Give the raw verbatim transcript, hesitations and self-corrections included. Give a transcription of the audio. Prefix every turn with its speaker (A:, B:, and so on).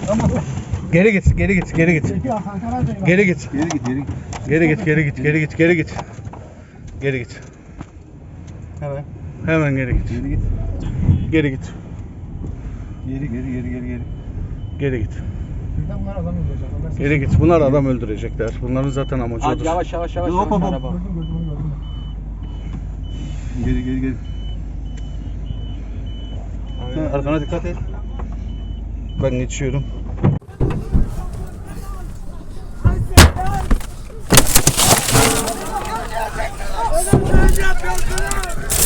A: Geri git, geri git, geri git. Geri git.
B: Geri git, geri git.
A: Geri git, geri git, geri git, geri git. Geri git.
B: Hemen.
A: Hemen geri git.
B: Geri git.
A: Geri git.
B: Geri, geri, geri, geri, geri.
A: Geri git.
C: Bunlar adam öldürecek.
A: Geri git. Bunlar adam öldürecekler. Bunların zaten amacı
D: Hadi
A: odur.
D: yavaş yavaş yavaş.
B: Hop, hop, hop.
D: Araba.
C: Gördüm gördüm onu gördüm.
B: Geri, geri, geri. Sen arkana dikkat et.
A: Ben geçiyorum.
E: Oğlum ne yapıyorsunuz?